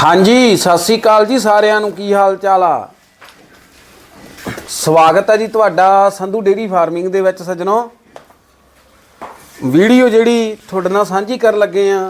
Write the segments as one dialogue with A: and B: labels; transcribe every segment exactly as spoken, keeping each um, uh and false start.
A: हाँ जी सत श्री अकाल जी सारिਆਂ ਨੂੰ ਕੀ ਹਾਲ ਚਾਲ ਆ। ਸਵਾਗਤ ਹੈ ਜੀ ਤੁਹਾਡਾ ਸੰਧੂ ਡੇਰੀ ਫਾਰਮਿੰਗ ਦੇ ਵਿੱਚ ਸੱਜਣੋ। ਵੀਡੀਓ ਜਿਹੜੀ ਤੁਹਾਡੇ ਨਾਲ ਸਾਂਝੀ ਕਰਨ ਲੱਗੇ ਆ,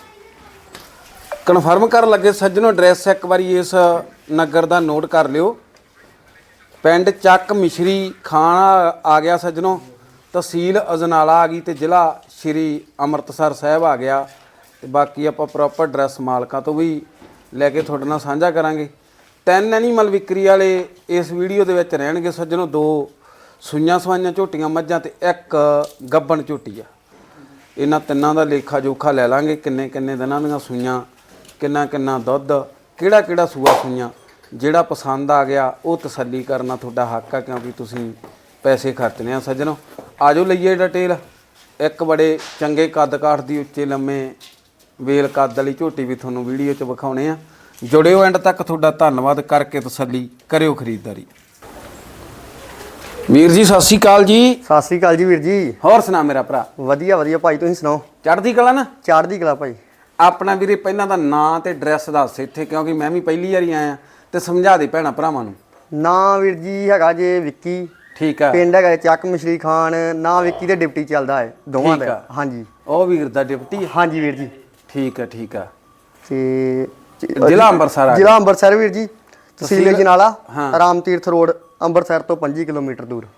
A: ਕਨਫਰਮ ਕਰਨ ਲੱਗੇ ਸੱਜਣੋ। ਐਡਰੈਸ ਇੱਕ ਵਾਰੀ ਇਸ ਨਗਰ ਦਾ ਨੋਟ ਕਰ ਲਿਓ। ਪਿੰਡ ਚੱਕ ਮਿਸ਼ਰੀ ਖਾਨ ਆ ਗਿਆ ਸੱਜਣੋ, ਤਹਿਸੀਲ ਅਜਨਾਲਾ ਆ ਗਈ ਤੇ ਜ਼ਿਲ੍ਹਾ ਸ਼੍ਰੀ ਅੰਮ੍ਰਿਤਸਰ ਸਾਹਿਬ ਆ ਗਿਆ। ਤੇ ਬਾਕੀ ਆਪਾਂ ਪ੍ਰੋਪਰ ਐਡਰੈਸ ਮਾਲਕਾਂ ਤੋਂ ਵੀ ਲੈ ਕੇ ਤੁਹਾਡੇ ਨਾਲ ਸਾਂਝਾ ਕਰਾਂਗੇ। ਤਿੰਨ ਐਨੀਮਲ ਵਿਕਰੀ ਵਾਲੇ ਇਸ ਵੀਡੀਓ ਦੇ ਵਿੱਚ ਰਹਿਣਗੇ ਸੱਜਣੋ। ਦੋ ਸੂਈਆਂ ਸਵਾਈਆਂ ਝੋਟੀਆਂ ਮੱਝਾਂ ਤੇ ਇੱਕ ਗੱਬਣ ਝੋਟੀ ਆ। ਇਹਨਾਂ ਤਿੰਨਾਂ ਦਾ ਲੇਖਾ ਜੋਖਾ ਲੈ ਲਾਂਗੇ, ਕਿੰਨੇ ਕਿੰਨੇ ਦਿਨਾਂ ਦੀਆਂ ਸੂਈਆਂ, ਕਿੰਨਾ ਕਿੰਨਾ ਦੁੱਧ, ਕਿਹੜਾ ਕਿਹੜਾ ਸੂਆ ਸੂਈਆਂ। ਜਿਹੜਾ ਪਸੰਦ ਆ ਗਿਆ ਉਹ ਤਸੱਲੀ ਕਰਨਾ ਤੁਹਾਡਾ ਹੱਕ ਆ, ਕਿਉਂਕਿ ਤੁਸੀਂ ਪੈਸੇ ਖਰਚਣੇ ਆ ਸੱਜਣੋ। ਆਜੋ ਲਈਏ ਡਿਟੇਲ। ਇੱਕ ਬੜੇ ਚੰਗੇ ਕੱਦ ਕਾਠ ਦੀ ਉੱਚੇ ਲੰਮੇ ਵੇਲ ਕੱਦ ਵਾਲੀ ਝੋਟੀ ਵੀ ਤੁਹਾਨੂੰ ਵੀਡੀਓ 'ਚ ਵਿਖਾਉਣੇ ਆ। ਜੁੜਿਓ ਐਂਡ ਤੱਕ। ਤੁਹਾਡਾ ਧੰਨਵਾਦ ਕਰਕੇ ਤਸੱਲੀ ਕਰਿਓ ਖਰੀਦਦਾਰੀ। ਵੀਰ ਜੀ ਸਤਿ ਸ਼੍ਰੀ ਅਕਾਲ ਜੀ।
B: ਸਤਿ ਸ਼੍ਰੀ ਅਕਾਲ ਜੀ ਵੀਰ ਜੀ।
A: ਹੋਰ ਸੁਣਾ ਮੇਰਾ ਭਰਾ?
B: ਵਧੀਆ ਵਧੀਆ ਭਾਈ, ਤੁਸੀਂ ਸੁਣਾਓ?
A: ਚੜ੍ਹਦੀ ਕਲਾ ਨਾ?
B: ਚੜ੍ਹਦੀ ਕਲਾ ਭਾਈ।
A: ਆਪਣਾ ਵੀਰੇ ਪਹਿਲਾਂ ਤਾਂ ਨਾਂ ਤੇ ਐਡਰੈਸ ਦੱਸ ਇੱਥੇ, ਕਿਉਂਕਿ ਮੈਂ ਵੀ ਪਹਿਲੀ ਵਾਰੀ ਆਇਆ, ਤੇ ਸਮਝਾ ਦੇ ਭੈਣਾਂ ਭਰਾਵਾਂ ਨੂੰ।
B: ਨਾਂ ਵੀਰ ਜੀ ਹੈਗਾ ਜੇ ਵਿੱਕੀ।
A: ਠੀਕ ਆ।
B: ਪਿੰਡ ਹੈਗਾ ਚੱਕ ਮਿਸ਼ਰੀ ਖਾਨ। ਨਾਂ ਵਿੱਕੀ ਤੇ ਡਿਪਟੀ ਚੱਲਦਾ ਹੈ ਦੋਵਾਂ ਦਾ। ਹਾਂਜੀ
A: ਉਹ ਵੀਰ ਦਾ ਡਿਪਟੀ?
B: ਹਾਂਜੀ ਵੀਰ ਜੀ।
A: ਠੀਕ ਆ ਠੀਕ ਆ।
B: ਤੇ
A: ਜ਼ਿਲ੍ਹਾ ਅੰਮ੍ਰਿਤਸਰ ਆ?
B: ਜ਼ਿਲ੍ਹਾ ਅੰਮ੍ਰਿਤਸਰ ਵੀਰ ਜੀ, ਤਹਿਸੀਲ ਅਜਨਾਲਾ, ਰਾਮ ਤੀਰਥ ਰੋਡ, ਅੰਮ੍ਰਿਤਸਰ ਤੋਂ ਪੰਜੀ ਕਿਲੋਮੀਟਰ ਦੂਰ।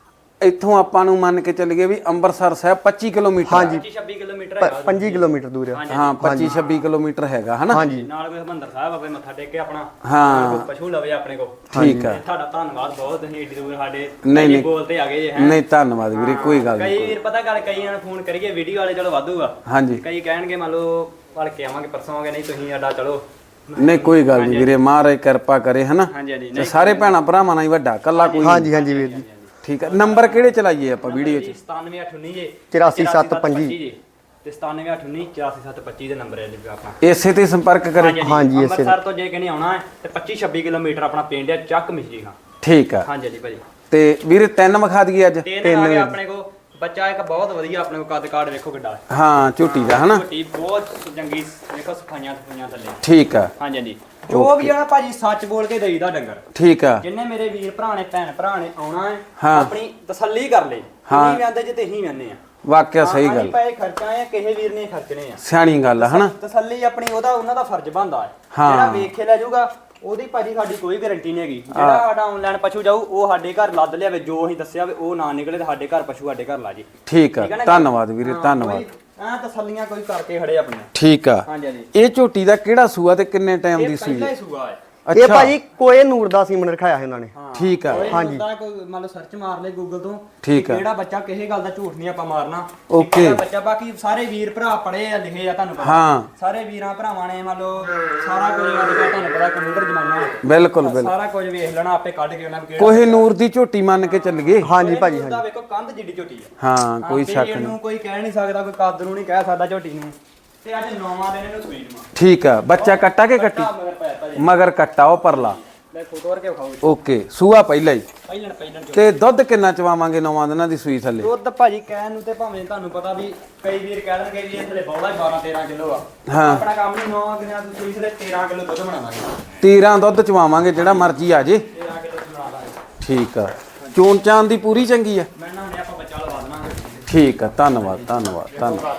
A: ਇੱਥੋਂ ਆਪਾਂ ਨੂੰ ਮੰਨ ਕੇ ਚੱਲੀਏ ਵੀ ਅੰਮ੍ਰਿਤਸਰ ਸਾਹਿਬ ਪੱਚੀ ਕਿਲੋਮੀਟਰ।
B: ਹਾਂਜੀ
C: ਛੱਬੀ ਕਿਲੋਮੀਟਰ ਹੈਗਾ।
B: ਪੰਜੀ ਕਿਲੋਮੀਟਰ ਦੂਰ ਹੈ।
A: ਹਾਂ ਪੱਚੀ ਛੱਬੀ ਕਿਲੋਮੀਟਰ ਹੈਗਾ ਹਨਾ।
B: ਹਾਂਜੀ।
C: ਨਾਲ ਕੋਈ ਹਰਿਮੰਦਰ ਸਾਹਿਬ ਆਪੇ ਮੱਥਾ ਟੇਕ ਕੇ ਆਪਣਾ
A: ਹਾਂ
C: ਪਸ਼ੂ ਲਵੇ ਆਪਣੇ ਕੋ।
A: ਠੀਕ ਆ।
C: ਤੁਹਾਡਾ ਧੰਨਵਾਦ ਬਹੁਤ, ਤੁਸੀਂ ਏਡੀ ਦੂਰ ਸਾਡੇ
A: ਨਹੀਂ ਨਹੀਂ
C: ਬੋਲਤੇ ਆ ਗਏ ਹੈ।
A: ਨਹੀਂ ਧੰਨਵਾਦ ਵੀਰੇ, ਕੋਈ ਗੱਲ ਨਹੀਂ।
C: ਕਈ ਵੀਰ ਪਤਾ ਗੱਲ, ਕਈਆਂ ਨੂੰ ਫੋਨ ਕਰੀਏ ਵੀਡੀਓ ਵਾਲੇ ਚਲੋ ਵਾਧੂਗਾ।
A: ਹਾਂਜੀ।
C: ਕਈ ਕਹਿਣਗੇ ਮੰਨ ਲਓ ਭੜ ਕੇ ਆਵਾਂਗੇ ਪਰਸੋਂ ਆਵਾਂਗੇ, ਨਹੀਂ ਤੁਸੀਂ ਸਾਡਾ ਚਲੋ।
A: ਨਹੀਂ ਕੋਈ ਗੱਲ ਨਹੀਂ ਵੀਰੇ, ਮਹਾਰਾਜ ਕਿਰਪਾ ਕਰੇ ਹਨਾ।
C: ਹਾਂਜੀ ਹਾਂਜੀ।
A: ਤੇ ਸਾਰੇ ਭੈਣਾਂ ਭਰਾਵਾਂ ਨਾਲ ਹੀ ਵੱਡਾ ਕੱਲਾ ਕੋਈ।
B: ਹਾਂਜੀ ਹਾਂਜੀ ਵੀਰ ਜੀ।
A: ਠੀਕ ਆ। ਨੰਬਰ ਕਿਹੜੇ ਚਲਾਈਏ ਆਪਾਂ ਵੀਡੀਓ 'ਚ?
C: ਸਤਾਨਵੇਂ ਅੱਠ ਉੱਨੀ ਜੇ
B: ਚੁਰਾਸੀ ਸੱਤ ਪੰਜੀ
C: ਤੇ ਸਤਾਨਵੇਂ ਅੱਠ ਉੱਨੀ ਚੁਰਾਸੀ ਸੱਤ ਪੱਚੀ ਦੇ ਨੰਬਰ ਹੈ ਜੀ ਆਪਣਾ।
A: ਇਸੇ ਤੇ ਸੰਪਰਕ ਕਰੇ।
B: ਹਾਂਜੀ ਇਸੇ।
C: ਅੰਮ੍ਰਿਤਸਰ ਤੋਂ ਜੇ ਕਹਿੰਦੇ ਆਉਣਾ ਹੈ ਤੇ ਪੱਚੀ ਛੱਬੀ ਕਿਲੋਮੀਟਰ ਆਪਣਾ ਪਿੰਡ ਹੈ ਚੱਕ ਮਿਸ਼ਰੀ ਖਾਂ।
A: ਠੀਕ ਆ।
C: ਹਾਂਜੀ ਹਾਂਜੀ ਭਾਜੀ।
A: ਤੇ ਵੀਰੇ ਤਿੰਨ ਵਿਖਾ ਦਈਏ ਅੱਜ?
C: ਤਿੰਨ ਆ ਗਏ ਆਪਣੇ ਕੋ। ਬੱਚਾ ਇੱਕ ਬਹੁਤ ਵਧੀਆ ਆਪਣੇ ਕੋ, ਕੱਦ ਕਾਠ ਵੇਖੋ ਕਿੱਡਾ।
A: ਹਾਂ ਝੋਟੀ ਦਾ ਹਨਾ।
C: ਝੋਟੀ ਬਹੁਤ ਚੰਗੀ, ਵੇਖੋ ਸਫਾਈਆਂ ਸਫਾਈਆਂ ਥੱਲੇ।
A: ਠੀਕ ਆ।
C: ਹਾਂਜੀ ਹਾਂਜੀ। ਜੋ ਵੀ ਆ ਨਾ ਭਾਜੀ ਸੱਚ ਬੋਲ ਕੇ ਦੇਈਦਾ ਡੰਗਰ।
A: ਠੀਕ ਆ।
C: ਜਿੰਨੇ ਮੇਰੇ ਵੀਰ ਭਰਾ ਨੇ ਭੈਣ ਭਰਾ ਨੇ ਆਉਣਾ ਹੈ,
A: ਹਾਂ।
C: ਆਪਣੀ ਤਸੱਲੀ ਕਰ ਲੈ। ਨਹੀਂ ਵੰਦੇ ਜੇ ਤੇ ਹੀ ਵੰਦੇ ਆ।
A: ਵਾਕਿਆ ਸਹੀ ਗੱਲ।
C: ਪੈਸੇ ਖਰਚਾ ਆ, ਕਿਸੇ ਵੀਰ ਨੇ ਖਰਚਣੇ ਆ।
A: ਸਿਆਣੀ ਗੱਲ ਆ ਹਨਾ।
C: ਤਸੱਲੀ ਆਪਣੀ, ਉਹਦਾ ਉਹਨਾਂ ਦਾ ਫਰਜ਼ ਬਣਦਾ ਹੈ।
A: ਹਾਂ।
C: ਜਿਹੜਾ ਵੇਖੇ ਲੈ ਜਾਊਗਾ ਉਹਦੀ ਭਾਜੀ ਸਾਡੀ ਕੋਈ ਗਾਰੰਟੀ ਨਹੀਂ ਹੈਗੀ। ਜਿਹੜਾ ਸਾਡਾ ਆਨਲਾਈਨ ਪਸ਼ੂ ਜਾਊ ਉਹ ਸਾਡੇ ਘਰ ਲੱਦ ਲਿਆਵੇ, ਜੋ ਅਸੀਂ ਦੱਸਿਆ ਵੀ ਉਹ ਨਾ ਨਿਕਲੇ ਤੇ ਸਾਡੇ ਘਰ ਪਸ਼ੂ ਸਾਡੇ ਘਰ ਲਾ ਜੇ।
A: ਠੀਕ ਆ। ਧੰਨਵਾਦ ਵੀਰੇ, ਧੰਨਵਾਦ।
C: ਆ ਤਸੱਲੀਆਂ ਕੋਈ ਕਰਕੇ ਖੜੇ ਆਪਣੇ।
A: ਠੀਕ ਆ।
C: ਹਾਂਜੀ ਹਾਂਜੀ।
A: ਇਹ ਝੋਟੀ ਦਾ ਕਿਹੜਾ ਸੂਆ ਤੇ ਕਿੰਨੇ ਟਾਈਮ ਦੀ ਸੂਈ?
C: ਪਹਿਲਾ ਹੀ ਸੂਆ ਹੈ।
B: ਇਹ ਭਾਜੀ ਕੋਏ ਨੂਰ ਦਾ ਸੀਮਨ ਰਖਾਇਆ ਹੈ ਉਹਨਾਂ ਨੇ।
A: ਠੀਕ ਆ।
B: ਹਾਂਜੀ।
C: ਕੋਈ ਮੰਨ ਲਓ ਸਰਚ ਮਾਰ ਲੈ ਗੂਗਲ ਤੋਂ।
A: ਠੀਕ ਆ।
C: ਕਿਹੜਾ ਬੱਚਾ ਕਿਸੇ ਗੱਲ ਦਾ ਝੂਠ ਨਹੀਂ ਆਪਾਂ ਮਾਰਨਾ।
A: ਓਕੇ।
C: ਕਿਹੜਾ ਬੱਚਾ, ਬਾਕੀ ਸਾਰੇ ਵੀਰ ਭਰਾ ਪੜੇ ਆ ਲਿਖੇ ਆ ਤੁਹਾਨੂੰ ਪਤਾ।
A: ਹਾਂ।
C: ਸਾਰੇ ਵੀਰਾਂ ਭਰਾਵਾਂ ਨੇ ਮੰਨ ਲਓ ਸਾਰਾ ਕੁਝ ਅੱਜ ਕੱਲ੍ਹ ਤੁਹਾਨੂੰ ਪਤਾ ਕੰਪਿਊਟਰ ਜ਼ਮਾਨਾ ਹੈ।
A: ਬਿਲਕੁਲ ਬਿਲਕੁਲ।
C: ਸਾਰਾ ਕੁਝ ਵੇਖ ਲੈਣਾ ਆਪੇ, ਕੱਢ ਕੇ ਉਹਨਾਂ ਨੂੰ।
A: ਕੋਹੇ ਨੂਰ ਦੀ ਝੋਟੀ ਮੰਨ ਕੇ ਚੱਲੀਏ।
B: ਹਾਂਜੀ ਭਾਜੀ।
C: ਹਾਂਜੀ। ਵੇਖੋ ਕੰਧ ਜਿੱਡੀ ਝੋਟੀ ਆ।
A: ਹਾਂ ਕੋਈ ਸ਼ੱਕ ਨਹੀਂ।
C: ਇਹਨੂੰ ਕੋਈ ਕਹਿ ਨਹੀਂ ਸਕਦਾ, ਕੋਈ ਕੱਦ ਨੂੰ ਨਹੀਂ ਕਹਿ ਸਕਦਾ ਝੋਟੀ ਨੂੰ। ਤੇ ਅੱਜ ਨੌਵਾਂ ਦਿਨ ਇਹਨੂੰ ਸੂਈ ਨੂੰ।
A: ਠੀਕ ਆ। ਬੱਚਾ ਕੱਟਾ ਕੇ ਕੱਟੀ?
C: ਮਗਰ ਪਾਇਆ ਭਾਜੀ।
A: ਮਗਰ ਕੱਟਾ ਉਹ ਪਰਲਾ।
C: ਲੈ ਫੋਟੋ ਕਰਕੇ ਵਿਖਾਓ।
A: ਓਕੇ। ਸੂਆ ਪਹਿਲਾ ਹੀ?
C: ਪਹਿਲਣ ਪਹਿਲਣ
A: ਤੇ ਦੁੱਧ ਕਿੰਨਾ ਚਵਾਵਾਂਗੇ ਨੌਵਾਂ ਦਿਨਾਂ ਦੀ ਸੂਈ ਥੱਲੇ?
C: ਦੁੱਧ ਭਾਜੀ ਕਹਿਣ ਨੂੰ ਤੇ ਭਾਵੇਂ ਤੁਹਾਨੂੰ ਪਤਾ ਵੀ ਕਈ ਵੀਰ ਕਹਿ ਦੇਣਗੇ ਵੀ ਇਹ ਥੱਲੇ ਬੌਲਾ ਹੀ ਬਾਰਾਂ ਤੇਰਾਂ ਕਿਲੋ ਆ।
A: ਹਾਂ।
C: ਆਪਣਾ ਕੰਮ ਨਹੀਂ, ਨੌ ਦਿਨਾਂ ਦੀ ਸੂਈ ਥੱਲੇ ਤੇਰਾਂ ਕਿਲੋ ਦੁੱਧ ਬਣਾਵਾਂਗੇ।
A: ਤੀਰਾਂ ਦੁੱਧ ਚਵਾਵਾਂਗੇ, ਜਿਹੜਾ ਮਰਜ਼ੀ ਆ ਜੇ।
C: ਤੇਰਾਂ ਕਿਲੋ ਬਣਾ ਦਾਂਗੇ।
A: ਠੀਕ ਆ। ਚੋਣ ਚਾਨ ਦੀ ਪੂਰੀ ਚੰਗੀ ਆ?
C: ਮੈਂ ਨਾ ਹੁਣੇ ਆਪਾਂ ਬੱਚਾ ਲਵਾ ਦੇਵਾਂਗੇ।
A: ਠੀਕ ਆ। ਧੰਨਵਾਦ ਧੰਨਵਾਦ ਧੰਨਵਾਦ।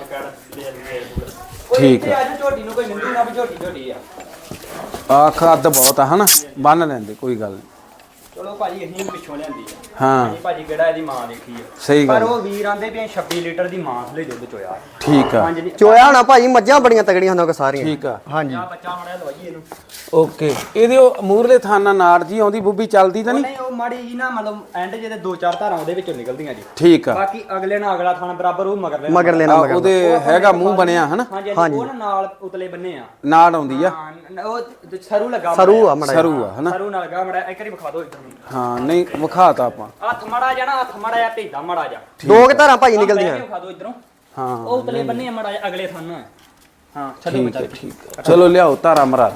C: ਠੀਕ ਹੈ। ਅੱਜ ਝੋਟੀ ਨੂੰ ਕੋਈ ਨਿੰਦੂ ਨਾ ਵੀ ਝੋਟੀ ਝੋਟੀ ਆ।
A: ਆ ਖਾਦ ਬਹੁਤ ਆ ਹਨਾ। ਬੰਨ ਲੈਂਦੇ ਕੋਈ ਗੱਲ ਨਹੀਂ।
C: ਚਲੋ ਭਾਜੀ ਅਸੀਂ ਵੀ ਪਿੱਛੋਂ ਲਿਆਂਦੀ ਆ।
A: ਹਾਂ
C: ਅਸੀਂ ਭਾਜੀ ਕਿਹੜਾ ਇਹਦੀ ਮਾਂ ਦੇਖੀ ਆ।
A: ਸਹੀ
C: ਪਰ
A: ਗੱਲ।
C: ਉਹ ਵੀਰ ਆਂਦੇ ਵੀ ਛੱਬੀ ਲੀਟਰ ਦੀ ਮਾਂ ਥਲੇ ਦੁੱਧ ਚੋਇਆ।
A: ਠੀਕ ਆ।
C: ਹਾਂਜੀ ਜੀ।
B: ਚੋਇਆ ਹੋਣਾ ਭਾਜੀ, ਮੱਝਾਂ ਬੜੀਆਂ ਤਗੜੀਆਂ ਹੁੰਦੀਆਂ ਸਾਰੀਆਂ।
A: ਠੀਕ ਆ।
B: ਹਾਂਜੀ।
C: ਆ ਬੱਚਾ ਮੜਿਆ ਲਵਾਈਏ ਇਹਨੂੰ।
A: ਓਕੇ। ਇਹਦੇ ਉਹ ਮੂਰਲੇ ਥਾਨਾ ਨਾੜ ਜੀ ਆਉਂਦੀ ਬੁੱਬੀ ਚੱਲਦੀ ਤਾਂ ਨਹੀਂ?
C: ਨਹੀਂ ਉਹ ਮਾੜੀ ਜੀ ਨਾ ਮਤਲਬ ਐਂਡ ਜਿਹਦੇ ਦੋ ਚਾਰ ਧਾਰਾਂ ਉਹਦੇ ਵਿੱਚੋਂ ਨਿਕਲਦੀਆਂ ਜੀ।
A: ਠੀਕ ਆ।
C: ਬਾਕੀ ਅਗਲੇ ਨਾਲ ਅਗਲਾ ਥਾਣਾ ਬਰਾਬਰ ਉਹ ਮਗਰ ਲੈਣਾ।
B: ਮਗਰ ਲੈਣਾ
A: ਆ,
B: ਮਗਰ।
A: ਉਹਦੇ ਹੈਗਾ ਮੂੰਹ ਬਣਿਆ ਹਨਾ।
C: ਹਾਂਜੀ ਹਾਂਜੀ। ਉਹ ਨਾ ਨਾਲ ਉਤਲੇ ਬੰਨੇ ਆ।
A: ਨਾੜ ਆਉਂਦੀ ਆ।
C: ਹਾਂ ਉਹ ਸਰੂ ਲੱਗਾ।
B: ਸਰੂ ਆ ਮੜਾ।
A: ਸਰੂ ਆ ਹਨਾ।
C: ਸਰੂ ਨਾਲ ਲੱਗਾ ਮੜਾ। ਇੱਕ ਵਾਰੀ ਵਿਖਾ ਦਿਓ ਇੱਧਰ ਨੂੰ।
A: ਹਾਂ ਨਹੀਂ ਵਿਖਾਤਾ ਆਪਾਂ।
C: ਹੱਥ ਮੜਾ ਜਾਣਾ, ਹੱਥ ਮੜਾ ਜਾ ਢੇਡਾ ਮੜਾ ਜਾ।
B: ਦੋ ਕਿ ਧਾਰਾਂ ਭਾਜੀ ਨਿਕਲਦੀਆਂ।
C: ਵਿਖਾ ਦਿਓ ਇੱਧਰੋਂ।
A: ਹਾਂ
C: ਉਹ ਉਤਲੇ ਬੰਨੇ ਮੜਾ ਜਾ ਅਗਲੇ ਥਾਣਾ। ਹਾਂ ਛੱਡੋ
A: ਠੀਕ
C: ਬੱਚਾ।
A: ਹੈ ਠੀਕ ਹੈ। ਚਲੋ ਲਿਆਓ ਧਾਰਾ ਮਰਾ।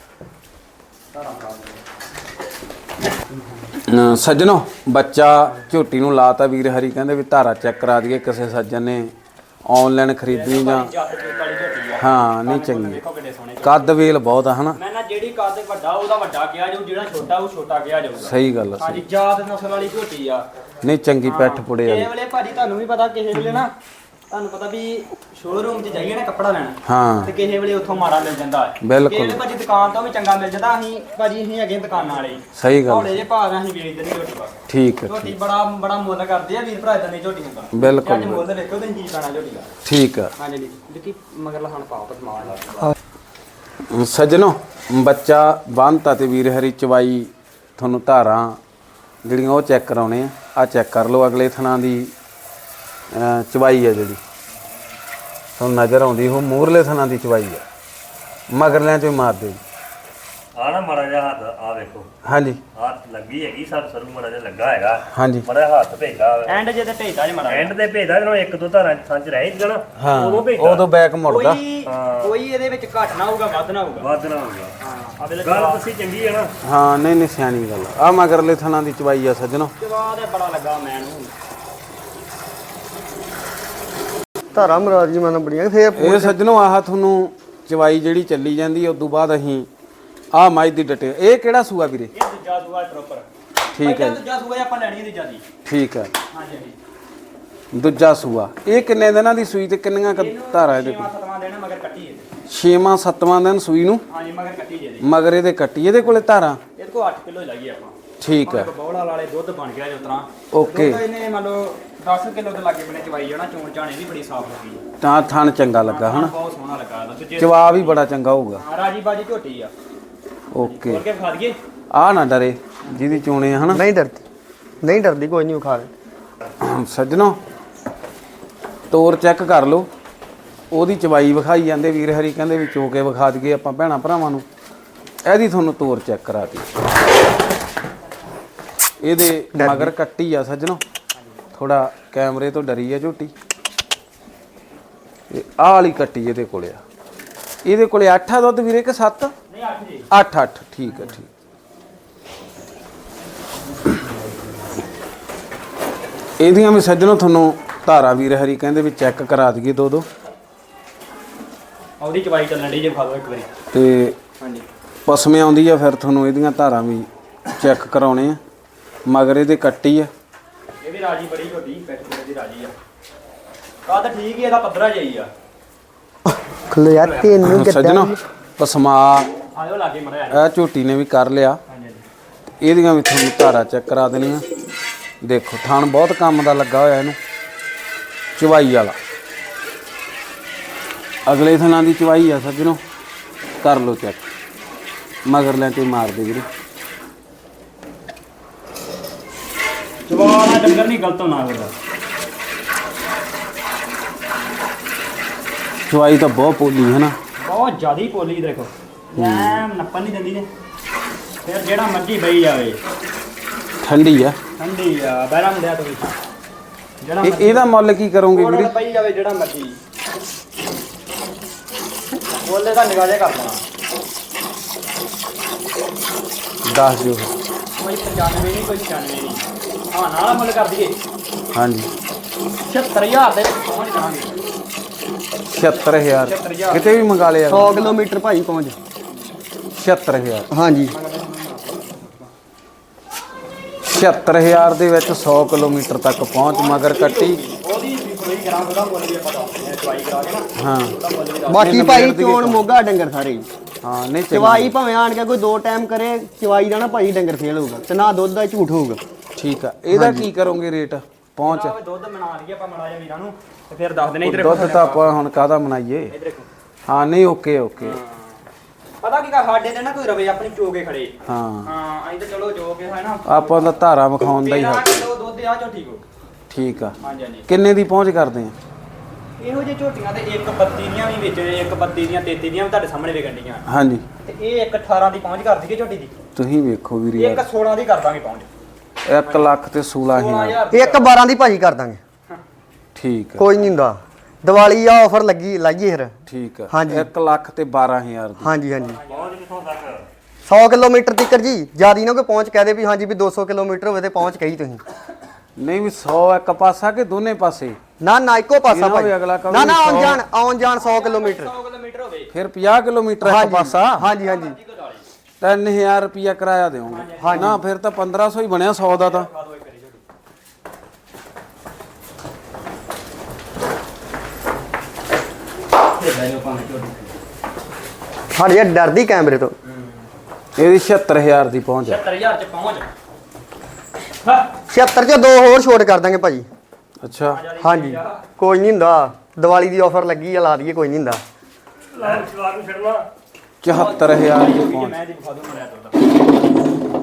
A: ਸੱਜਣੋ ਬੱਚਾ ਝੋਟੀ ਨੂੰ ਲਾਤਾ ਵੀਰ ਹਰੀ, ਕਹਿੰਦੇ ਵੀ ਧਾਰਾ ਚੈੱਕ ਕਰਾ ਦਈਏ ਕਿਸੇ ਸੱਜਣ ਨੇ ਆਨਲਾਈਨ ਖਰੀਦਣੀ ਜਾਂ। ਹਾਂ ਨਹੀਂ ਚੰਗੀ। ਕੱਦ ਵੇਲ ਬਹੁਤ ਆ ਹਨਾ।
C: ਮੈਂ ਨਾ ਜਿਹੜੀ ਕੱਦ ਵੱਡਾ ਉਹਦਾ ਵੱਡਾ ਕਿਹਾ ਜਾਊ, ਜਿਹੜਾ ਛੋਟਾ ਉਹ ਛੋਟਾ ਕਿਹਾ ਜਾਊਗਾ।
A: ਸਹੀ ਗੱਲ ਆ।
C: ਹਾਂਜੀ ਜਾਤ ਨਸਲ ਵਾਲੀ ਝੋਟੀ ਆ।
A: ਨਹੀਂ ਚੰਗੀ ਪੈਠ ਪੁੜੇ
C: ਕਿਸੇ
A: ਆ।
C: ਵੇਲੇ ਭਾਜੀ ਤੁਹਾਨੂੰ ਵੀ ਪਤਾ ਕਿਸੇ ਵੇਲੇ ਨਾ ਤੁਹਾਨੂੰ ਪਤਾ ਵੀ ਸ਼ੋਰੂਮ 'ਚ ਜਾਈਏ ਨਾ ਕੱਪੜਾ ਲੈਣ
A: ਹਾਂ
C: ਤੇ ਕਿਸੇ ਵੇਲੇ ਉੱਥੋਂ ਮਾੜਾ ਮਿਲ ਜਾਂਦਾ ਹੈ।
A: ਬਿਲਕੁਲ।
C: ਕਿਸੇ ਵੇਲੇ ਭਾਜੀ ਦੁਕਾਨ ਤੋਂ ਵੀ ਚੰਗਾ ਮਿਲ ਜਾਂਦਾ। ਅਸੀਂ ਭਾਜੀ ਅਸੀਂ ਹੈਗੇ ਦੁਕਾਨਾਂ ਵਾਲੇ।
A: ਸਹੀ ਗੱਲ।
C: ਹੌਲੇ ਜੇ ਭਾਅ ਨਾਲ ਅਸੀਂ ਵੇਚਦੇ ਨਹੀਂ ਝੋਟੀ ਬਸ।
A: ਠੀਕ ਹੈ
C: ਝੋਟੀ ਬੜਾ ਬੜਾ ਮੁੱਲ ਕਰਦੇ ਆ ਵੀਰ ਭਰਾ ਇਦਾਂ ਦੀ ਝੋਟੀ ਹੁੰਦਾ।
A: ਬਿਲਕੁਲ।
C: ਅੱਜ ਮੁੱਲ ਦੇਖੋ ਤੇ ਕੀ ਪਾਣਾ ਝੋਟੀ ਦਾ।
A: ਠੀਕ ਆ
C: ਹਾਂਜੀ ਜੀ ਦੇਖੀ ਮਗਰ ਲਹਣ ਪਾਓ ਤਾਂ ਸਮਾਨ ਲਾ।
A: ਸੱਜਣੋ ਬੱਚਾ ਬੰਨਤਾ ਤੇ ਵੀਰ ਹਰੀ ਚਵਾਈ ਤੁਹਾਨੂੰ ਧਾਰਾਂ ਜਿਹੜੀਆਂ ਉਹ ਚੈੱਕ ਕਰਾਉਣੇ ਆ। ਆ ਚੈੱਕ ਕਰ ਲਓ ਅਗਲੇ ਥਣਾ ਦੀ ਅਹ, ਚਵਾਈ ਆ ਜਿਹੜੀ ਤੁਹਾਨੂੰ ਨਜ਼ਰ ਆਉਂਦੀ ਉਹ ਮੂਹਰਲੇ ਥਣਾ ਦੀ ਚਵਾਈ ਆ। ਮਗਰਲਿਆਂ ਚੋਂ ਹੀ ਮਾਰ ਦਿਓ।
D: ਆ ਨਾ ਮਾੜਾ ਜਿਹਾ ਹੱਥ ਆ ਵੇਖੋ,
A: ਹਾਂਜੀ
D: ਹੱਥ ਲੱਗੀ ਹੈਗੀ ਸਰ ਸਰੂ ਮਾੜਾ ਜਿਹਾ ਲੱਗਾ ਹੈਗਾ।
A: ਹਾਂਜੀ
D: ਮਾੜਾ ਜਿਹਾ ਹੱਥ ਭੇਜਦਾ
C: ਐਂਡ ਜੇ ਤੇ ਭੇਜਦਾ ਜੇ ਮਾੜਾ
D: ਐਂਡ ਤੇ ਭੇਜਦਾ ਜਦੋਂ ਇੱਕ ਦੋ ਧਾਰਾਂ ਸੰਚ ਰਹਿ ਜਾਣਾ
A: ਹਾਂ
D: ਉਦੋਂ ਭੇਜਦਾ।
A: ਉਦੋਂ ਬੈਕ ਮੁੜਦਾ।
C: ਕੋਈ ਕੋਈ ਇਹਦੇ ਵਿੱਚ ਘੱਟ ਨਾ ਹੋਊਗਾ ਵੱਧ ਨਾ ਹੋਊਗਾ।
D: ਵੱਧ ਨਾ ਹੋਊਗਾ।
C: ਹਾਂ ਆ ਵੇਲੇ
D: ਗੱਲ ਤੁਸੀਂ ਚੰਗੀ ਹੈ ਨਾ।
A: ਹਾਂ ਨਹੀਂ ਨਹੀਂ ਸਿਆਣੀ ਗੱਲ ਆ। ਮਗਰਲੇ ਥਣਾ ਦੀ ਚਵਾਈ ਆ ਸੱਜਣੋ।
C: ਜਵਾਬ ਤੇ ਬੜਾ ਲੱਗਾ ਮੈਨੂੰ।
B: ਧਾਰਾ ਮਰਾਜ ਜੀ ਮਨ ਬੜੀਆਂ ਫੇਰ
A: ਇਹ ਸੱਜਣੋ ਆਹ ਤੁਹਾਨੂੰ ਚਵਾਈ ਜਿਹੜੀ ਚੱਲੀ ਜਾਂਦੀ ਹੈ ਉਸ ਤੋਂ ਬਾਅਦ ਅਸੀਂ ਆਹ ਮੱਝ ਦੀ ਡਟੇ। ਇਹ ਕਿਹੜਾ ਸੂਆ ਵੀਰੇ?
C: ਇਹ ਦੂਜਾ ਸੂਆ ਪ੍ਰੋਪਰ।
A: ਠੀਕ ਹੈ ਜੀ।
C: ਦੂਜਾ ਸੂਆ ਆਪਾਂ ਲੈਣੀ ਹੈ ਦੂਜਾ ਦੀ।
A: ਠੀਕ ਹੈ
C: ਹਾਂਜੀ ਹਾਂਜੀ।
A: ਦੂਜਾ ਸੂਆ। ਇਹ ਕਿੰਨੇ ਦਿਨਾਂ ਦੀ ਸੂਈ ਤੇ ਕਿੰਨੀਆਂ ਕੁ ਧਾਰਾਂ ਇਹਦੇ ਕੋਲ?
C: ਛੇਵਾਂ ਸੱਤਵਾਂ ਦੇਣਾ ਮਗਰ ਕੱਟੀ ਹੈ।
A: ਛੇਵਾਂ ਸੱਤਵਾਂ ਦਿਨ ਸੂਈ ਨੂੰ
C: ਹਾਂਜੀ ਮਗਰ ਕੱਟੀ ਜੇ ਦੀ।
A: ਮਗਰ ਇਹਦੇ ਕੱਟੀ ਇਹਦੇ ਕੋਲੇ ਧਾਰਾਂ।
C: ਇਹਦੇ ਕੋਲ ਅੱਠ ਕਿਲੋ ਲਾਈਏ ਆਪਾਂ।
A: ਠੀਕ ਹੈ
C: ਬੌਲਾ ਵਾਲੇ ਦੁੱਧ ਬਣ ਗਿਆ ਜੋ ਤਰ੍ਹਾਂ।
A: ਓਕੇ।
C: ਦੁੱਧ ਇਹਨੇ ਮੰਨ ਲਓ ਦਸ ਕਿਲੋ ਦੇ ਲਾਗੇ ਬਣੇ ਚਵਾਈ ਜਾਣਾ। ਚੋਣ ਚਾਣੇ ਵੀ ਬੜੀ ਸਾਫ਼ ਲੱਗੀ ਹੈ।
A: ਤਾਂ ਥਣ ਚੰਗਾ ਲੱਗਾ ਹਨਾ।
C: ਬਹੁਤ ਸੋਹਣਾ ਲੱਗਾ ਇਹਦਾ। ਦੂਜੇ
A: ਜਵਾਬ ਵੀ ਬੜਾ ਚੰਗਾ ਹੋਊਗਾ।
C: ਹਾਂ ਰਾਜੀ ਬਾਜੀ ਝੋਟੀ ਆ।
A: ਓਕੇ।
C: ਹੋਰ ਕੇ ਖਾ ਦਈਏ।
A: ਆਹ ਨਾ ਡਰੇ ਜਿਹਦੀ ਚੋਣੇ ਆ ਹਨਾ।
B: ਨਹੀਂ ਡਰਦੀ ਨਹੀਂ ਡਰਦੀ ਕੋਈ ਨਹੀਂ ਉਖਾ ਲੈ।
A: ਸੱਜਣੋ ਤੋਰ ਚੈੱਕ ਕਰ ਲਓ। ਉਹਦੀ ਚਵਾਈ ਵਿਖਾਈ ਜਾਂਦੇ ਵੀਰ ਹਰੀ ਕਹਿੰਦੇ ਵੀ ਚੋ ਕੇ ਵਿਖਾ ਦਈਏ ਆਪਾਂ ਭੈਣਾਂ ਭਰਾਵਾਂ ਨੂੰ। ਇਹਦੀ ਤੁਹਾਨੂੰ ਤੋਰ ਚੈੱਕ ਕਰਾ ਦੀ। ਇਹਦੇ ਮਗਰ ਕੱਟੀ ਆ ਸੱਜਣੋ। ਥੋੜਾ ਕੈਮਰੇ ਤੋਂ ਡਰੀ ਆ ਝੋਟੀ। ਇਹ ਆਹ ਵਾਲੀ ਕੱਟੀ ਇਹਦੇ ਕੋਲੇ ਆ। ਇਹਦੇ ਕੋਲੇ ਅੱਠ ਆ ਦੁੱਧ ਵੀਰੇ ਕਿ ਸੱਤ?
C: ਨਹੀਂ ਅੱਠ ਜੀ।
A: ਅੱਠ ਅੱਠ ਠੀਕ ਹੈ ਠੀਕ। ਇਹਦੀਆਂ ਵੀ ਸੱਜਣੋ ਤੁਹਾਨੂੰ ਧਾਰਾ ਵੀਰ ਹਰੀ ਕਹਿੰਦੇ ਵੀ ਚੈੱਕ ਕਰਾ ਦਈਏ ਦੋ ਦੋ।
C: ਉਹਦੀ ਚਵਾਈ ਚੱਲਣ ਦੀ ਜੇ ਖਾ ਲਓ ਇੱਕ ਵਾਰੀ।
A: ਤੇ
C: ਹਾਂਜੀ
A: ਪਸਮੇ ਆਉਂਦੀ ਆ ਫਿਰ ਤੁਹਾਨੂੰ ਇਹਦੀਆਂ ਧਾਰਾਂ ਵੀ ਚੈੱਕ ਕਰਾਉਣੇ ਆ। ਮਗਰ ਇਹਦੇ ਕੱਟੀ ਆ।
C: ਇਹ ਵੀ ਰਾਜੀ ਬੜੀ ਝੋਟੀ ਪੈਟ ਦੀ ਰਾਜੀ ਆ। ਕੱਦ ਠੀਕ ਹੀ ਇਹਦਾ ਪੱਧਰਾ ਜਾਈ ਆ।
B: ਖਲਿਆ ਤੈਨੂੰ
A: ਸੱਜਣੋ ਪਸਮਾ
C: ਆਜੋ ਲਾਗੇ ਮਰਿਆ।
A: ਇਹ ਝੋਟੀ ਨੇ ਵੀ ਕਰ ਲਿਆ।
C: ਹਾਂਜੀ ਹਾਂਜੀ।
A: ਇਹਦੀਆਂ ਵੀ ਤੁਹਾਨੂੰ ਧਾਰਾ ਚੈੱਕ ਕਰਾ ਦੇਣੀਆਂ। ਦੇਖੋ ਥਣ ਬਹੁਤ ਕੰਮ ਦਾ ਲੱਗਾ ਹੋਇਆ ਇਹਨੂੰ। ਚਵਾਈ ਵਾਲਾ ਅਗਲੇ ਥਣਾਂ ਦੀ ਚਵਾਈ ਆ ਸੱਜਣੋ। ਕਰ ਲਓ ਚੈੱਕ। ਮਗਰ ਲੈ ਕੇ ਮਾਰ ਦੇ ਵੀਰੇ।
C: ਜਵਾਨਾ ਡੰਗਰ ਨਹੀਂ ਗਲਤ ਹੋਣਾ ਉਹਦਾ।
A: ਚਵਾਈ ਤਾਂ ਬਹੁਤ ਪੋਲੀ ਹੈ ਨਾ।
C: ਬਹੁਤ ਜ਼ਿਆਦੀ ਪੋਲੀ ਦੇਖੋ। ਐ ਨੱਪਣ ਨਹੀਂ ਦਿੰਦੀ ਨੇ। ਫਿਰ ਜਿਹੜਾ ਮਰਜੀ ਬਈ ਜਾਵੇ।
A: ਠੰਡੀ ਆ।
C: ਠੰਡੀ ਆ ਬੈਰਾ ਮੁੰਡਿਆ ਤੋਂ ਵੀ। ਜਿਹੜਾ
A: ਇਹ ਇਹਦਾ ਮੁੱਲ ਕੀ ਕਰੋਗੇ ਵੀਰੇ?
C: ਬਈ ਜਾਵੇ ਜਿਹੜਾ ਮਰਜੀ। ਬੋਲੇ ਦਾ ਨਿਗਾਹ ਕਰ ਦੇਣਾ।
A: ਦੱਸ ਦਿਓ।
C: ਕੋਈ ਪਚਾਨਵੇਂ ਨਹੀਂ ਕੋਈ ਛਿਆਨਵੇਂ ਨਹੀਂ। ਹਾਂ ਨਾਲ ਮੁੱਲ ਕਰ ਦਈਏ।
A: ਹਾਂਜੀ
C: ਛਿਅੱਤਰ ਹਜ਼ਾਰ ਦੇ ਵਿੱਚ ਪਹੁੰਚ ਜਾਵਾਂਗੇ।
A: ਛਿਅੱਤਰ ਹਜ਼ਾਰ ਕਿਤੇ ਵੀ ਮੰਗਾ ਲਿਆ।
B: ਸੌ ਕਿਲੋਮੀਟਰ ਭਾਈ ਪਹੁੰਚ।
A: ਛਿਅੱਤਰ ਹਜ਼ਾਰ
B: ਹਾਂਜੀ
A: ਛਿਅੱਤਰ ਹਜ਼ਾਰ ਦੇ ਵਿੱਚ ਸੌ ਕਿਲੋਮੀਟਰ ਤੱਕ ਪਹੁੰਚ। ਮਗਰ ਕੱਟੀ
C: ਉਹਦੀ ਕੋਈ ਗ੍ਰਾਮ ਉਹਦਾ ਮੁੱਲ ਵੀ ਆਪਾਂ ਦੱਸ ਦਿੰਦੇ ਹਾਂ ਚਵਾਈ ਕਰਾ ਕੇ ਨਾ।
A: ਹਾਂ
C: ਉਹਦਾ ਮੁੱਲ ਵੀ ਦੱਸ
B: ਬਾਕੀ ਭਾਈ ਚੋਣ ਮੋਗਾ ਡੰਗਰ ਸਾਰੇ ਹੀ।
A: ਹਾਂ ਨਹੀਂ
B: ਚਵਾਈ ਭਾਵੇਂ ਆਣ ਕੇ ਕੋਈ ਦੋ ਟਾਈਮ ਕਰੇ ਚਵਾਈ ਦਾ ਨਾ ਭਾਈ ਡੰਗਰ ਫੇਲ ਹੋਊਗਾ ਤੇ ਨਾ ਦੁੱਧ ਦਾ ਝੂਠ ਹੋਊਗਾ।
A: ਠੀਕ ਆ। ਇਹਦਾ ਕੀ ਕਰੋਗੇ ਰੇਟ ਪਹੁੰਚ?
C: ਦਿੰਦੇ। ਦੁੱਧ ਬਣਾ ਲਈਏ ਆਪਾਂ ਮੜਾ ਜਿਹਾ ਵੀਰਾਂ ਨੂੰ ਤੇ ਫਿਰ ਦੱਸ ਦੇਣੇ ਇਧਰ
A: ਦੁੱਧ ਤਾਂ ਆਪਾਂ ਹੁਣ ਕਾਹਦਾ ਬਣਾਈਏ।
C: ਇਧਰ ਦੇਖੋ।
A: ਹਾਂ ਨਹੀਂ ਓਕੇ ਓਕੇ।
C: ਪਤਾ ਕੀ ਕਰ ਸਾਡੇ ਤੇ ਨਾ ਕੋਈ ਰਵੇ ਆਪਣੀ ਚੋਗੇ ਖੜੇ।
A: ਹਾਂ
C: ਹਾਂ ਅਸੀਂ ਤਾਂ ਚਲੋ ਜੋ ਕੇ ਹੈ ਨਾ।
A: ਆਪਾਂ ਤਾਂ ਧਾਰਾ ਵਿਖਾਉਣ ਦਾ ਹੀ ਹੈ।
C: ਤੇਰਾਂ ਕਿਲੋ ਦੁੱਧ ਆ ਚੋ ਠੀਕ ਹੋ।
A: ਠੀਕ ਆ।
C: ਹਾਂਜੀ ਹਾਂਜੀ।
A: ਕਿੰਨੇ ਦੀ ਪਹੁੰਚ ਕਰਦੇ ਆ?
C: ਇਹੋ ਜਿਹੇ ਝੋਟੀਆਂ ਤੇ ਇੱਕ ਬੱਤੀ ਦੀਆਂ ਵੀ ਵਿੱਚ ਇੱਕ ਬੱਤੀ ਦੀਆਂ ਤੇਤੀ ਦੀਆਂ ਵੀ ਤੁਹਾਡੇ ਸਾਹਮਣੇ ਵਿਕਣ ਡੀਆਂ।
A: ਹਾਂਜੀ
C: ਤੇ ਇਹ ਇੱਕ ਅਠਾਰਾਂ ਦੀ ਪਹੁੰਚ ਕਰ ਦਈਏ ਝੋਟੀ ਦੀ।
A: ਤੁਸੀਂ ਵੇਖੋ ਵੀਰ
C: ਇੱਕ
A: ਯਾਰ।
C: ਸੋਲਾਂ ਦੀ ਕਰ ਦਾਂਗੇ ਪਹੁੰਚ।
A: ਇੱਕ ਲੱਖ ਤੇ ਸੋਲਾਂ ਹਜ਼ਾਰ।
C: ਹਜ਼ਾਰ
B: ਇੱਕ ਬਾਰਾਂ ਦੀ ਭਾਜੀ ਕਰ ਦਾਂਗੇ।
A: ਠੀਕ ਆ
B: ਕੋਈ ਨਹੀਂ ਹੁੰਦਾ। ਦੀਵਾਲੀ ਆ ਆਫਰ ਲੱਗੀ ਲਾਈਏ ਫਿਰ।
A: ਠੀਕ ਆ।
B: ਹਾਂਜੀ।
A: ਇੱਕ ਲੱਖ ਤੇ ਬਾਰਾਂ ਹਜ਼ਾਰ ਦੀ।
B: ਹਾਂਜੀ ਹਾਂਜੀ
D: ਪਹੁੰਚ ਕਿੱਥੋਂ ਤੱਕ?
B: ਸੌ ਕਿਲੋਮੀਟਰ ਤੱਕ ਜੀ। ਜਿਆਦੀ ਨਾ ਕੋਈ ਪਹੁੰਚ ਕਹਦੇ ਵੀ ਹਾਂਜੀ ਵੀ ਦੋ ਸੌ ਕਿਲੋਮੀਟਰ ਹੋਵੇ ਤੇ ਪਹੁੰਚ ਕਹੀ ਤੁਸੀਂ।
A: ਨਹੀਂ ਵੀ ਸੌ ਇੱਕ ਪਾਸਾ ਕਿ ਦੋਨੇ ਪਾਸੇ?
B: ਨਾ ਨਾ ਇੱਕੋ ਪਾਸਾ
A: ਇਹਨਾਂ
B: ਭਾਈ।
A: ਵੀ ਅਗਲਾ ਕਹੂ
B: ਨਾ ਨਾ ਆਉਣ
A: ਸੌ।
B: ਜਾਣ ਆਉਣ ਜਾਣ ਸੌ ਕਿਲੋਮੀਟਰ।
C: ਸੌ ਕਿਲੋਮੀਟਰ ਹੋਵੇ।
A: ਫਿਰ ਪੰਜਾਹ ਕਿਲੋਮੀਟਰ ਇੱਕ
B: ਹਾਂਜੀ
A: ਪਾਸਾ।
B: ਹਾਂਜੀ ਹਾਂਜੀ
A: ਤਿੰਨ ਹਜ਼ਾਰ ਰੁਪਿਆ ਕਿਰਾਇਆ ਦਿਓਗੇ ਨਾ ਫਿਰ ਤਾਂ ਪੰਦਰਾਂ ਸੌ ਹੀ ਬਣਿਆ ਸੌ ਦਾ ਤਾਂ
C: ਖਾ ਦੋ ਇੱਕ ਵਾਰੀ ਝੋਟੀ ਇਹ ਲੈ ਲਓ ਭਾਵੇਂ ਝੋਟੀ
B: ਸਾਡੀ ਇਹ ਡਰਦੀ ਕੈਮਰੇ ਤੋਂ।
A: ਇਹਦੀ ਛਿਅੱਤਰ ਹਜ਼ਾਰ ਦੀ ਪਹੁੰਚ ਹੈ।
C: ਸੱਤਰ ਹਜ਼ਾਰ ਚ ਪਹੁੰਚ ਹਾਂ
B: ਛਿਅੱਤਰ ਚ ਦੋ ਹੋਰ ਛੋਟ ਕਰ ਦਾਂਗੇ ਭਾਜੀ।
A: ਅੱਛਾ
B: ਹਾਂਜੀ ਕੋਈ ਨਹੀਂ ਹੁੰਦਾ, ਦੀਵਾਲੀ ਦੀ ਆਫਰ ਲੱਗੀ ਆ, ਲਾ ਦਈਏ, ਕੋਈ ਨਹੀਂ ਹੁੰਦਾ।
D: ਲੈ ਜਵਾਬ ਨੂੰ ਛੱਡਣਾ
A: ਚੁਹੱਤਰ ਹਜ਼ਾਰ ਦੀ
C: ਇਹ
A: ਪਹੁੰਚ।
C: ਮੈਂ ਦੀ ਵਿਖਾ ਦੂੰ ਮਰਿਆ ਤੁਹਾਡਾ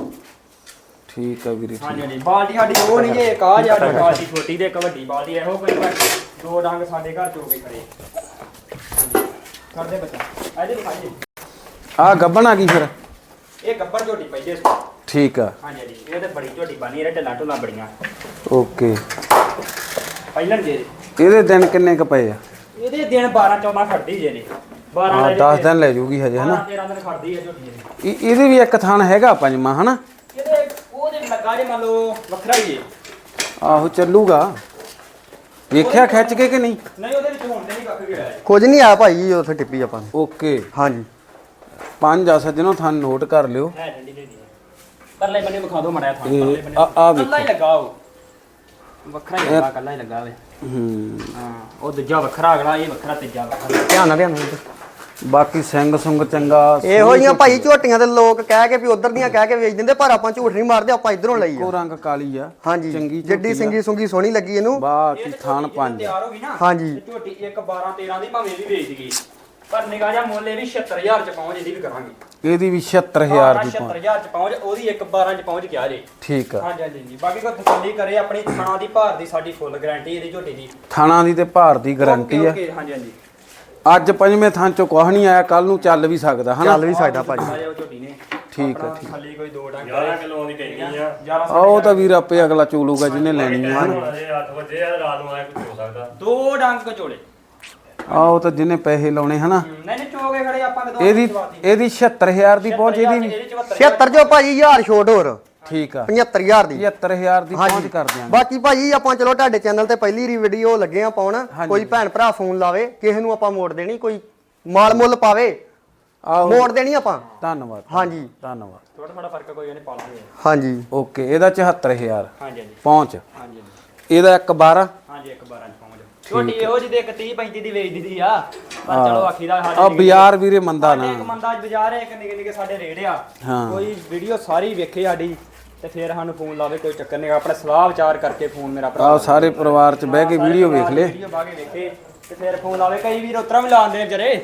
A: ਠੀਕ ਆ ਵੀਰੇ।
C: ਹਾਂਜੀ ਹਾਂਜੀ ਬਾਲਟੀ ਸਾਡੀ ਉਹ ਨਹੀਂ ਜੇ ਇੱਕ ਆ ਜਿਹੜੀ ਬਾਲਟੀ ਛੋਟੀ ਤੇ ਇੱਕ ਵੱਡੀ ਬਾਲਟੀ ਇਹੋ ਕੋਈ ਪਰ ਦੋ ਡੰਗ ਸਾਡੇ ਘਰ ਚੋ ਕੇ ਖੜੇ ਹਾਂਜੀ। ਕਰਦੇ ਬੱਚਾ ਇਹਦੇ ਦਿਖਾਈਏ
A: ਆ ਗੱਬਣ ਆ ਗਈ ਫਿਰ।
C: ਇਹ ਗੱਬਰ ਝੋਟੀ ਪਈ ਜੇ
A: ਠੀਕ ਆ
C: ਹਾਂਜੀ ਹਾਂਜੀ ਇਹ ਤੇ ਬੜੀ ਝੋਟੀ ਬਣੀ ਇਹਦੇ ਢਿੱਲਾਂ ਢੁੱਲਾਂ ਬੜੀਆਂ
A: ਓਕੇ।
C: ਪਹਿਲਾਂ ਜੇ
A: ਇਹਦੇ ਦਿਨ ਕਿੰਨੇ ਕ ਪਏ ਆ?
C: ਇਹਦੇ ਦਿਨ ਬਾਰਾਂ ਚੌਦਾਂ ਖੜਦੀ ਜੇ ਨੇ ਬਾਰਾਂ
A: ਹਾਂ
C: ਲੈ
A: ਦਸ ਦਿਨ ਲੈ ਜੂਗੀ ਹਜੇ ਹਨਾ।
C: ਤੇਰਾਂ ਦਿਨ ਖੜਦੀ ਹੈ ਝੋਟੀ ਇਹਦੀ।
A: ਇਹ- ਇਹਦੇ ਵੀ ਇੱਕ ਥਣ ਹੈਗਾ ਪੰਜਵਾਂ ਹਨਾ।
C: ਇਹਦੇ ਉਹਦੇ ਲੱਗਾ ਜੇ ਮੰਨ ਲਓ ਵੱਖਰਾ ਹੀ ਹੈ
A: ਆਹੋ ਚੱਲੂਗਾ। ਵੇਖਿਆ ਖਿੱਚ ਕੇ ਕਿ ਨਹੀਂ?
C: ਨਹੀਂ ਉਹਦੇ ਵਿੱਚ ਹੁਣ ਤੇ ਨਹੀਂ ਕੱਖ ਗਿਆ
B: ਕੁਝ ਨਹੀਂ ਆ ਭਾਈ ਉੱਥੇ ਟਿੱਪੀ ਆਪਾਂ ਨੇ।
A: ਓਕੇ।
B: ਹਾਂਜੀ
A: ਪੰਜ ਆ ਸੱਜਣੋ ਥਣ ਨੋਟ ਕਰ ਲਿਓ।
C: ਹੈ ਡੰਡੀ ਦੇ ਦੀ ਪਰਲੇ ਬੰਨੇ ਵਿਖਾ ਦਿਓ ਮੜਿਆ ਥਾਂ
A: ਇਹ
C: ਪਰਲੇ ਬੰਨੇ
A: ਆ ਆ
C: ਕੱਲਾ ਹੀ
A: ਵੇਖੋ।
C: ਲੱਗਾ ਉਹ ਵੱਖਰਾ ਹੀ ਲੱਗਾ ਕੱਲਾ ਹੀ ਲੱਗਾ ਵੇ
A: ਹੂੰ
C: ਹਾਂ ਉਹ ਦੂਜਾ ਵੱਖਰਾ ਅਗਲਾ ਇਹ ਵੱਖਰਾ ਤੀਜਾ ਵੱਖਰਾ
B: ਧਿਆਨ ਨਾਲ ਧਿਆਨ ਨਾਲ।
A: ਬਾਕੀ ਸਿੰਘ ਸੁੰਗ ਚੰਗਾ।
B: ਇਹੋ ਜਿਹੀਆਂ ਭਾਈ ਝੋਟੀਆਂ ਤੇ ਲੋਕ ਕਹਿ ਕੇ ਵੀ ਉਧਰ ਦੀਆਂ ਕਹਿ ਕੇ ਵੇਚ ਦਿੰਦੇ, ਪਰ ਆਪਾਂ ਝੂਠ ਨਹੀਂ ਮਾਰਦੇ, ਆਪਾਂ ਇਧਰੋਂ ਲਈ
A: ਇੱਕੋ
B: ਆ।
A: ਰੰਗ ਕਾਲੀ ਆ।
B: ਹਾਂਜੀ
A: ਚੰਗੀ
B: ਜਿੱਡੀ
A: ਝੋਟੀ ਆ।
B: ਸਿੰਗੀ ਸੁੰਗੀ ਸੋਹਣੀ ਲੱਗੀ ਇਹਨੂੰ।
A: ਬਾਕੀ ਥਣ ਪੰਜ।
C: ਤਿਆਰ ਹੋ ਗਈ ਨਾ
B: ਹਾਂਜੀ।
C: ਤੇ ਝੋਟੀ ਇੱਕ ਬਾਰਾਂ ਤੇਰਾਂ ਦੀ ਭਾਵੇਂ ਇਹ ਵੀ ਵੇਚ ਗਈ ਪਰ ਨਿਗਾਹ ਜਿਹਾ ਮੁੱਲ ਇਹ ਵੀ ਛਿਅੱਤਰ ਹਜ਼ਾਰ ਚ ਪਹੁੰਚ ਇਹਦੀ ਵੀ ਕਰਾਂਗੇ।
A: ਇਹਦੀ ਵੀ ਛਿਅੱਤਰ ਹਜ਼ਾਰ ਦੀ
C: ਛਿਅੱਤਰ
A: ਪਹੁੰਚ।
C: ਹਜ਼ਾਰ ਚ ਪਹੁੰਚ ਉਹਦੀ ਇੱਕ ਬਾਰਾਂ ਚ ਪਹੁੰਚ ਗਿਆ ਜੇ
A: ਠੀਕ ਆ।
C: ਹਾਂਜੀ ਹਾਂਜੀ ਜੀ ਬਾਕੀ ਕੋਈ ਤਸੱਲੀ ਕਰੇ ਆਪਣੀ ਥਾਣਾ ਦੀ ਭਾਰ ਦੀ ਸਾਡੀ ਫੁੱਲ ਗਾਰੰਟੀ ਇਹਦੀ ਝੋਟੀ ਦੀ
A: ਥਾਣਾ ਦੀ ਤੇ ਭਾਰ ਦੀ ਗਾਰੰਟੀ ਆ।
C: ਓਕੇ, ਓਕੇ, ਹਾਂਜੀ ਹਾਂਜੀ
A: ਅੱਜ ਪੰਜਵੇਂ ਥਾਂ ਚੋਂ ਕੁਛ ਨਹੀਂ ਆਇਆ, ਕੱਲ ਨੂੰ ਚੱਲ ਵੀ ਸਕਦਾ ਹਨਾ।
B: ਚੱਲ ਵੀ ਸਕਦਾ ਭਾਜੀ।
C: ਆਇਆ ਉਹ ਝੋਟੀ ਨੇ
A: ਠੀਕ ਆ,
C: ਆਪਣਾ
A: ਠੀਕ।
C: ਥੱਲੇ ਕੋਈ ਦੋ ਡੰਗ
D: ਗਿਆਰਾਂ ਕਿਲੋ ਦੀ ਕਹਿੰਦੀ ਆ
C: ਗਿਆਰਾਂ
A: ਆ ਉਹ ਤਾਂ ਵੀਰ ਆਪੇ ਅਗਲਾ ਚੋਲੂਗਾ ਜਿਹਨੇ ਲੈਣੀ ਆ ਹਨਾ।
D: ਹੁਣ ਅਜੇ ਅੱਠ ਵਜੇ ਆ ਰਾਤ ਨੂੰ ਆਇਆ ਕੁਝ ਹੋ ਸਕਦਾ।
C: ਦੋ ਡੰਗ ਕਚੋਲੇ
A: ਆ ਉਹ ਤਾਂ ਜਿਹਨੇ ਪੈਸੇ ਲਾਉਣੇ ਹਨਾ।
C: ਨਹੀਂ ਨਹੀਂ ਚੋਗੇ ਖੜੇ ਆਪਾਂ ਕਦੋਂ
A: ਇਹਦੀ ਇਹਦੀ ਛਿਅੱਤਰ ਹਜ਼ਾਰ ਦੀ ਪਹੁੰਚ ਇਹਦੀ ਵੀ।
B: ਛਿਅੱਤਰ ਜੋ ਭਾਜੀ ਹਜ਼ਾਰ ਛੋਟ ਹੋਰ
A: ਠੀਕ ਆ।
B: ਪਝੱਤਰ ਹਜ਼ਾਰ ਦੀ।
A: ਪਝੱਤਰ ਹਜ਼ਾਰ ਦੀ ਪਹੁੰਚ
B: ਹਾਂਜੀ
A: ਕਰ ਦਿਆਂਗੇ।
B: ਬਾਕੀ ਭਾਜੀ ਆਪਾਂ ਚਲੋ ਤੁਹਾਡੇ ਚੈਨਲ ਤੇ ਪਹਿਲੀ ਰੀ ਵੀਡੀਓ ਲੱਗੇ ਆ ਪਾਉਣ, ਕੋਈ ਭੈਣ ਭਰਾ ਫੋਨ ਲਾਵੇ ਕਿਸੇ ਨੂੰ ਆਪਾਂ ਮੋੜ ਦੇਣੀ, ਕੋਈ ਮਾਲ ਮੁੱਲ ਪਾਵੇ
A: ਆਹੋ
B: ਮੋੜ ਦੇਣੀ ਆਪਾਂ।
A: ਧੰਨਵਾਦ।
B: ਹਾਂਜੀ
A: ਧੰਨਵਾਦ।
C: ਥੋੜਾ ਥੋੜਾ ਫਰਕ ਕੋਈ ਨਹੀਂ ਪਾ ਲਾਂਗੇ
B: ਹਾਂਜੀ
A: ਓਕੇ। ਇਹਦਾ ਚੁਹੱਤਰ ਹਜ਼ਾਰ
C: ਹਾਂਜੀ ਹਾਂਜੀ
A: ਪਹੁੰਚ।
C: ਹਾਂਜੀ ਹਾਂਜੀ
A: ਇਹਦਾ ਇੱਕ ਬਾਰਾਂ।
C: ਹਾਂਜੀ ਇੱਕ ਬਾਰਾਂ ਚ ਪਹੁੰਚ ਛੋਟੀ ਇਹੋ ਜਿਹੀ ਦੇ ਇੱਕ ਤੀਹ ਪੈਂਤੀ ਦੀ ਵੇਚ ਦਿੱਤੀ ਆ ਪਰ ਚਲੋ ਆਖੀ ਦਾ
A: ਆ ਬਾਜ਼ਾਰ ਵੀਰੇ ਮੰਦਾ ਨਾ।
C: ਸਾਡੇ ਇੱਕ ਮੰਦਾ ਬਾਜ਼ਾਰ ਹੈ ਇੱਕ ਨਿੱਕੇ ਨਿੱਕੇ ਸਾਡੇ ਰੇੜ ਆ
A: ਹਾਂ।
C: ਕੋਈ ਵੀਡੀਓ ਸਾਰੀ ਵੇਖੇ ਸਾਡੀ ਤੇ ਫਿਰ ਸਾਨੂੰ ਫੋਨ ਲਾਵੇ ਕੋਈ ਚੱਕਰ ਨਹੀਂ ਆਪਣਾ ਸਲਾਹ ਵਿਚਾਰ ਕਰਕੇ ਫੋਨ ਮੇਰਾ ਭਰਾ
A: ਆ ਸਾਰੇ ਪਰਿਵਾਰ ਚ ਬਹਿ ਕੇ ਵੀਡੀਓ ਵੇਖ ਲੈ।
C: ਵੀਡੀਓ ਬਾਗੇ ਵੇਖੇ ਤੇ ਫਿਰ ਫੋਨ ਲਾਵੇ ਕਈ ਵੀਰ ਉਤਰਾ ਵੀ ਲਾਉਂਦੇ ਨੇ ਵਿਚਾਰੇ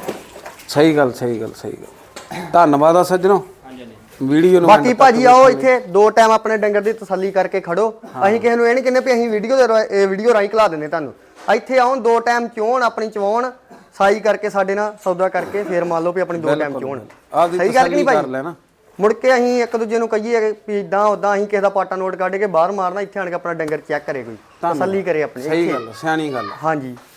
A: ਸਹੀ ਗੱਲ ਸਹੀ ਗੱਲ ਸਹੀ ਗੱਲ। ਧੰਨਵਾਦ ਆ ਸੱਜਣੋ
C: ਹਾਂਜੀ ਹਾਂਜੀ
A: ਵੀਡੀਓ ਨੂੰ।
B: ਬਾਕੀ ਭਾਜੀ ਆਓ ਇੱਥੇ ਦੋ ਟਾਈਮ ਆਪਣੇ ਡੰਗਰ ਦੀ ਤਸੱਲੀ ਕਰਕੇ ਖੜੋ। ਅਸੀਂ ਕਿਸੇ ਨੂੰ ਇਹ ਨਹੀਂ ਕਹਿੰਦੇ ਵੀ ਅਸੀਂ ਵੀਡੀਓ ਦੇ ਰਾ- ਇਹ ਵੀਡੀਓ ਰਾਹੀਂ ਖਿਲਾ ਦਿੰਦੇ ਤੁਹਾਨੂੰ। ਇੱਥੇ ਆਉਣ ਦੋ ਟਾਈਮ ਚੋਣ ਆਪਣੀ ਚਵਾਉਣ ਸਾਈ ਕਰਕੇ ਸਾਡੇ ਨਾਲ ਸੌਦਾ ਕਰਕੇ ਫਿਰ ਮੰਨ ਲਓ ਵੀ ਆਪਣੀ ਦੋ ਟਾਈਮ ਚੋਣ।
A: ਆਪਦੀ
B: ਸਹੀ ਗੱਲ ਕਿ ਨਹੀਂ
A: ਤਸੱਲੀ ਕਰ
B: ਭਾਈ?
A: ਲੈਣਾ।
B: ਮੁੜ ਕੇ ਅਸੀਂ ਇੱਕ ਦੂਜੇ ਨੂੰ ਕਹੀਏ ਵੀ ਇਦਾਂ ਉਦਾਂ ਅਸੀਂ ਕਿਸੇ ਦਾ ਪਾਟਾ ਨੋਟ ਕੱਢ ਕੇ ਬਾਹਰ ਮਾਰਨਾ, ਇੱਥੇ ਆਣ ਕੇ ਆਪਣਾ ਡੰਗਰ ਚੈੱਕ ਕਰੇ, ਕੋਈ ਤਸੱਲੀ ਕਰੇ ਆਪਣੀ
A: ਸਹੀ
B: ਇੱਥੇ।
A: ਗੱਲ ਸਿਆਣੀ ਗੱਲ।
B: ਹਾਂਜੀ